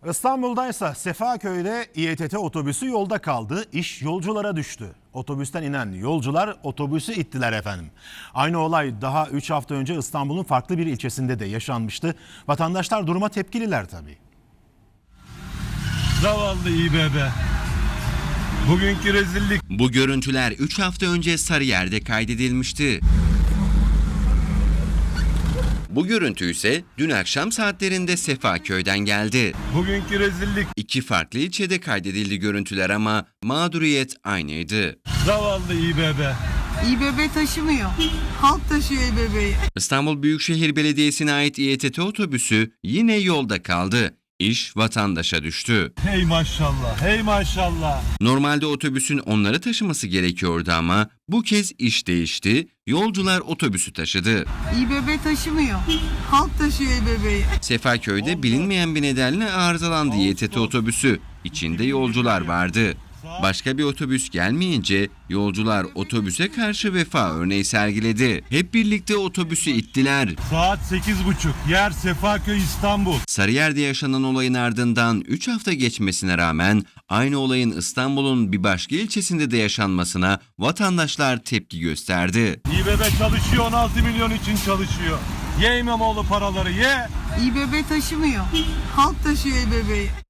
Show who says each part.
Speaker 1: İstanbul'daysa Sefaköy'de İETT otobüsü yolda kaldı, iş yolculara düştü. Otobüsten inen yolcular otobüsü ittiler efendim. Aynı olay daha 3 hafta önce İstanbul'un farklı bir ilçesinde de yaşanmıştı. Vatandaşlar duruma tepkililer tabii.
Speaker 2: Zavallı İBB. Bugünkü rezillik.
Speaker 3: Bu görüntüler 3 hafta önce Sarıyer'de kaydedilmişti. Bu görüntü ise dün akşam saatlerinde Sefaköy'den geldi.
Speaker 2: Bugünkü rezillik.
Speaker 3: İki farklı ilçede kaydedildi görüntüler ama mağduriyet aynıydı.
Speaker 2: Zavallı İBB.
Speaker 4: İBB taşımıyor. Halk taşıyor İBB'yi.
Speaker 3: İstanbul Büyükşehir Belediyesi'ne ait İETT otobüsü yine yolda kaldı. İş vatandaşa düştü.
Speaker 2: Hey maşallah, hey maşallah.
Speaker 3: Normalde otobüsün onları taşıması gerekiyordu ama bu kez iş değişti. Yolcular otobüsü taşıdı.
Speaker 4: İBB taşımıyor. Halk taşıyor İBB'yi.
Speaker 3: Sefaköy'de bilinmeyen bir nedenle arızalandı İETT otobüsü. İçinde yolcular vardı. Başka bir otobüs gelmeyince yolcular otobüse karşı vefa örneği sergiledi. Hep birlikte otobüsü ittiler.
Speaker 2: Saat 8.30. Yer Sefaköy, İstanbul.
Speaker 3: Sarıyer'de yaşanan olayın ardından 3 hafta geçmesine rağmen aynı olayın İstanbul'un bir başka ilçesinde de yaşanmasına vatandaşlar tepki gösterdi.
Speaker 2: İBB çalışıyor, 16 milyon için çalışıyor. Ye İmamoğlu paraları ye.
Speaker 4: İBB taşımıyor. Halk taşıyor İBB'yi.